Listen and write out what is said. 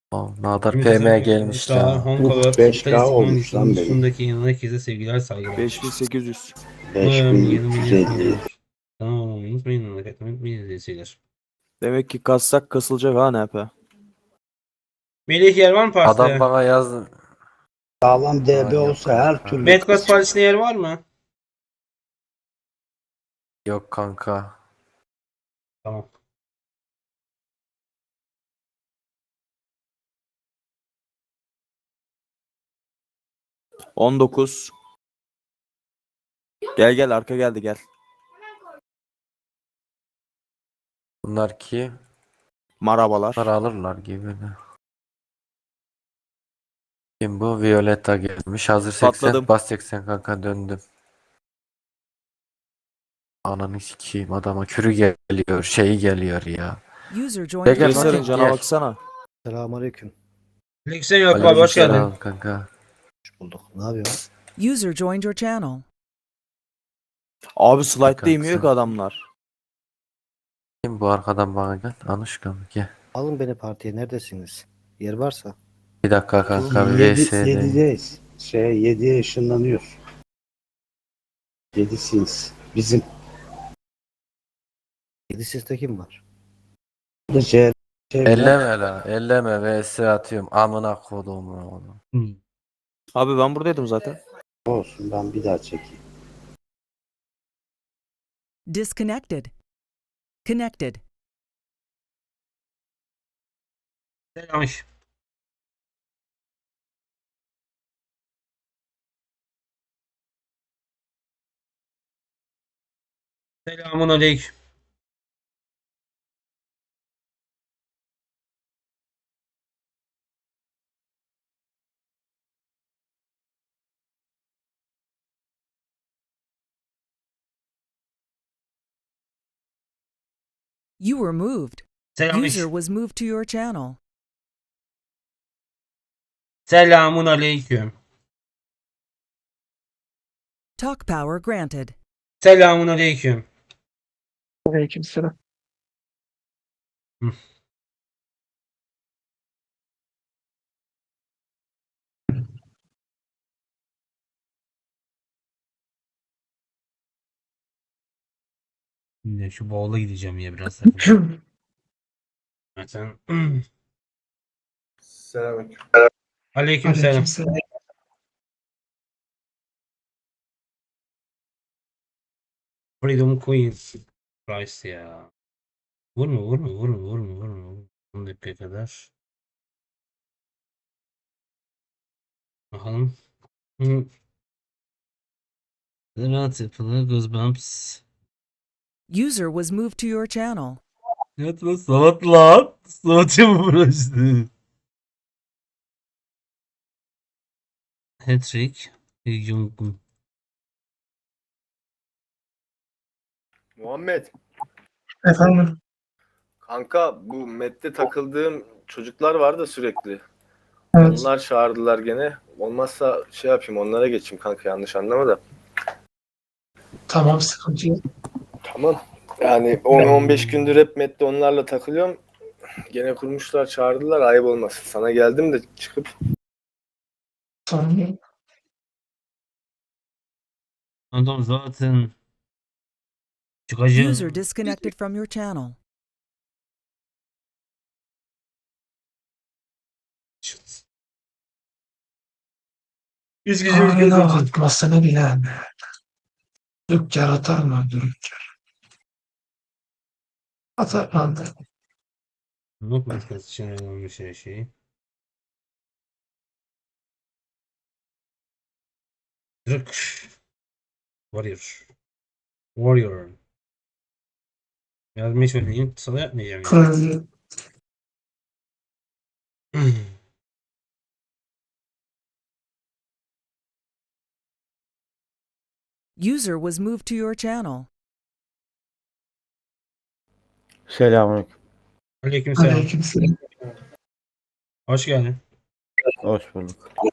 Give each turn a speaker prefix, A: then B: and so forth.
A: Nadar
B: Ümit
A: PM
B: Özdemir,
A: gelmiş
B: Çağlar,
A: la.
B: Honkalar,
C: 5K
B: Talisman
C: olmuş lan benim.
B: üstündeki yanına herkese sevgiler saygılar.
D: 5800.
B: Umarım yeni milyon
C: 5350.
B: olur. Tamam unutmayın, like atmayı unutmayın izleyiciler.
D: Demek ki kassak kasılacak ha NP.
B: Melih yer var mı
A: Adam
B: partide?
A: bana yazdı.
C: Sağlam DB
A: Yok
C: olsa her
A: kanka.
C: türlü
B: Bedcast partisine yer var mı?
A: Yok kanka.
B: Tamam.
D: — 19. Gel gel arka geldi gel.
A: Bunlar ki
D: Marabalar.
A: para alırlar gibi de. Kim bu? Violetta gelmiş. Hazır 80.
D: Patladım.
A: Bas 80 kanka döndüm. Ananı sikeyim adama kürü geliyor. Şeyi geliyor ya.
E: User joined
A: Gel
E: your
A: gel
D: Kayser'in
A: Martin
E: channel.
D: cana
A: gel.
D: baksana.
F: Selamünaleyküm.
B: Lexen yok abi hoş
A: Aleykümselam
B: geldin.
A: kanka.
F: Hoş bulduk. Ne yapıyorsun?
E: User joined your channel.
D: Abi slide'da
A: Kanka
D: inmiyor
A: sen-
D: ki adamlar.
A: Kim bu arkadan bana gel? Anuşka mı? Gel.
F: Alın beni partiye. Neredesiniz? Yer varsa.
A: Bir dakika kanka bir
C: 7'deyiz.
A: VS'deyim.
C: 7'ye ışınlanıyor. 7'siniz. Bizim.
F: 7 sizde kim var?
C: Burada C
A: Elleme la. Elleme VS atıyorum. Amına kodumu oğlum.
D: Abi ben buradaydım zaten.
C: olsun, ben bir daha çekeyim.
E: Disconnected. Connected.
B: Selam. Selamun aleyküm.
E: You were moved.
B: Selam.
E: User was moved to your channel.
B: Selamun aleyküm.
E: Talk power granted.
B: Selamun aleyküm.
G: Aleykümselam.
B: Şimdi şu bowl'a gideceğim ya biraz. Zaten.
H: Selamünaleyküm.
B: Aleyküm selam.
G: Aleykümselam.
B: Freedom Queen. Price ya. Vurma vurma vurma vurma vurma. 10 dakika kadar. Bakalım. Hı. Rahat yapılı Goosebumps.
E: User was moved to your channel.
B: Yatma salat lan. Salatı mı burası? Hattrick. Jungkook.
H: Muhammed,
G: Efendim.
H: kanka bu Met'te takıldığım çocuklar var da sürekli.
G: Evet.
H: Onlar çağırdılar gene. Olmazsa şey yapayım, onlara geçeyim kanka, yanlış anlama da.
G: Tamam, sıkıntı yok.
H: Tamam. Yani 10-15 gündür hep Met'te onlarla takılıyorum. Gene kurmuşlar, çağırdılar, ayıp olmasın. Sana geldim de çıkıp
G: Sorun yok.
B: Adam zaten çıkacağım.
E: User disconnected from your channel.
B: Biz
G: Ağrına atmasını bilen. Dükkan atar mı? Dükkan. Atar mı?
B: Not maskesi için ayrılmış her şey. Dırk. Warrior. Warrior. Yazmayı söyleyeyim. Sana yapmayacağım ya.
G: Kırmızı.
E: User was moved to your channel.
I: Selamünaleyküm.
B: Aleykümselam.
G: Aleykümselam.
B: Hoş geldin.
I: Hoş bulduk.